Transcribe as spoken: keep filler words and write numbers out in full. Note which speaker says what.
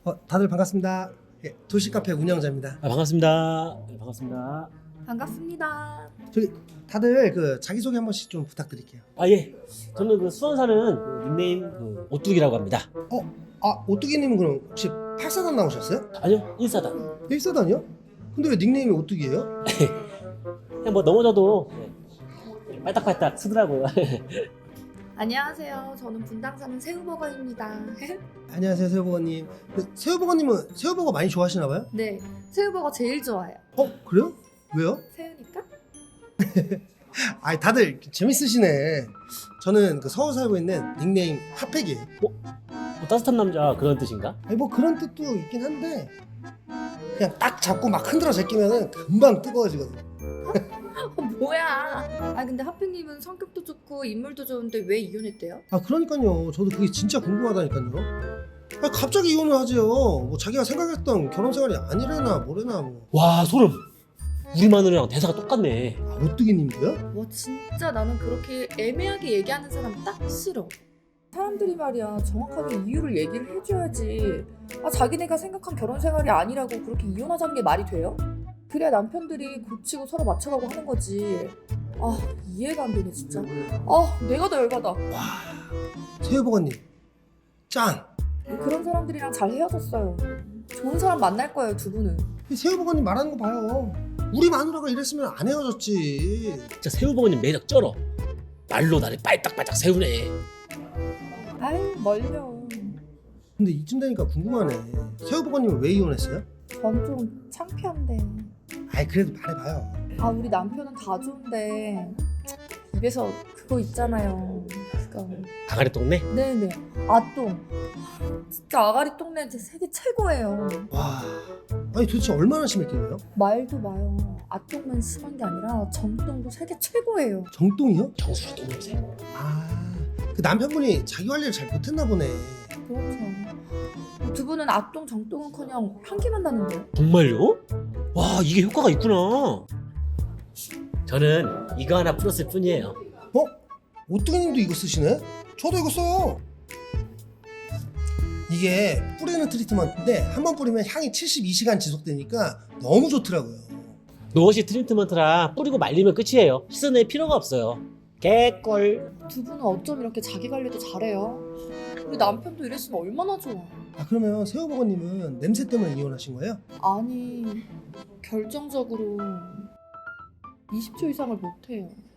Speaker 1: 어, 다들 반갑습니다. 예, 도시카페 운영자입니다.
Speaker 2: 아, 반갑습니다. 네, 반갑습니다.
Speaker 3: 반갑습니다.
Speaker 1: 저기 다들 그 자기소개 한 번씩 좀 부탁드릴게요.
Speaker 2: 아 예, 저는 그 수원 사는 그 닉네임 그 오뚜기라고 합니다.
Speaker 1: 어? 아, 오뚜기님은 그럼 혹시 팔사단 나오셨어요?
Speaker 2: 아니요, 일사단.
Speaker 1: 일사단이요? 근데 왜 닉네임이 오뚜기예요?
Speaker 2: 그냥 뭐 넘어져도 네, 빨딱빨딱 쓰더라고요.
Speaker 3: 안녕하세요. 저는 분당 사는 새우버거입니다.
Speaker 1: 안녕하세요, 새우버거님. 그 새우버거님은 새우버거 많이 좋아하시나 봐요?
Speaker 3: 네, 새우버거 제일 좋아해요.
Speaker 1: 어? 그래요? 왜요?
Speaker 3: 새우니까?
Speaker 1: 아, 다들 재밌으시네. 저는 그 서울 살고 있는 닉네임 핫팩이에요.
Speaker 2: 뭐 따뜻한 남자 그런 뜻인가?
Speaker 1: 아니 뭐 그런 뜻도 있긴 한데 그냥 딱 잡고 막 흔들어 제끼면은 금방 뜨거워지거든요.
Speaker 3: 어, 뭐야? 아 근데 하필님은 성격도 좋고 인물도 좋은데 왜 이혼했대요?
Speaker 1: 아 그러니까요. 저도 그게 진짜 궁금하다니까요. 아 갑자기 이혼을 하지요. 뭐 자기가 생각했던 결혼 생활이 아니래나 뭐래나 뭐.
Speaker 2: 와 소름. 우리 마누라랑 대사가 똑같네.
Speaker 1: 아, 오뚜기님도요?
Speaker 3: 와 진짜 나는 그렇게 애매하게 얘기하는 사람 딱 싫어. 사람들이 말이야 정확하게 이유를 얘기를 해줘야지. 아 자기네가 생각한 결혼 생활이 아니라고 그렇게 이혼하자는 게 말이 돼요? 그래야 남편들이 고치고 서로 맞춰가고 하는 거지. 아 이해가 안 되네 진짜. 아 내가 더 열받아.
Speaker 1: 새우버거님 짱.
Speaker 3: 그런 사람들이랑 잘 헤어졌어요. 좋은 사람 만날 거예요 두 분은.
Speaker 1: 이 새우버거님 말하는 거 봐요. 우리 마누라가 이랬으면 안 헤어졌지.
Speaker 2: 진짜 새우버거님 매력 쩔어. 말로 나를 빨딱빨딱 세우네.
Speaker 3: 아이 멀려.
Speaker 1: 근데 이쯤 되니까 궁금하네. 새우버거님은 왜 이혼했어요?
Speaker 3: 전 좀 창피한데.
Speaker 1: 아이 그래도 말해봐요.
Speaker 3: 아 우리 남편은 다 좋은데 입에서 그거 있잖아요. 그거.
Speaker 2: 아가리 동네?
Speaker 3: 네네. 아똥. 진짜 아가리 똥내 제 세계 최고예요.
Speaker 1: 와, 아니 도대체 얼마나 심했길래요?
Speaker 3: 말도 마요. 아똥만 심한 게 아니라 정똥도 세계 최고예요.
Speaker 1: 정똥이요?
Speaker 2: 정수리 똥냄새.
Speaker 1: 아, 그 남편분이 자기 관리를 잘 못했나 보네.
Speaker 3: 그렇죠. 두 분은 아똥 정똥은커녕 향기만 나는데요.
Speaker 2: 정말요? 와 이게 효과가 있구나. 저는 이거 하나 풀었을 뿐이에요.
Speaker 1: 어? 오뚜기님도 이거 쓰시네? 저도 이거 써요. 이게 뿌리는 트리트먼트인데 한 번 뿌리면 향이 칠십이 시간 지속되니까 너무 좋더라고요.
Speaker 2: 노워시 트리트먼트라 뿌리고 말리면 끝이에요. 씻어낼 필요가 없어요. 개꿀.
Speaker 3: 두 분은 어쩜 이렇게 자기 관리도 잘해요? 우리 남편도 이랬으면 얼마나 좋아.
Speaker 1: 아 그러면 새우버거님은 냄새 때문에 이혼하신 거예요?
Speaker 3: 아니 결정적으로 이십 초 이상을 못해요.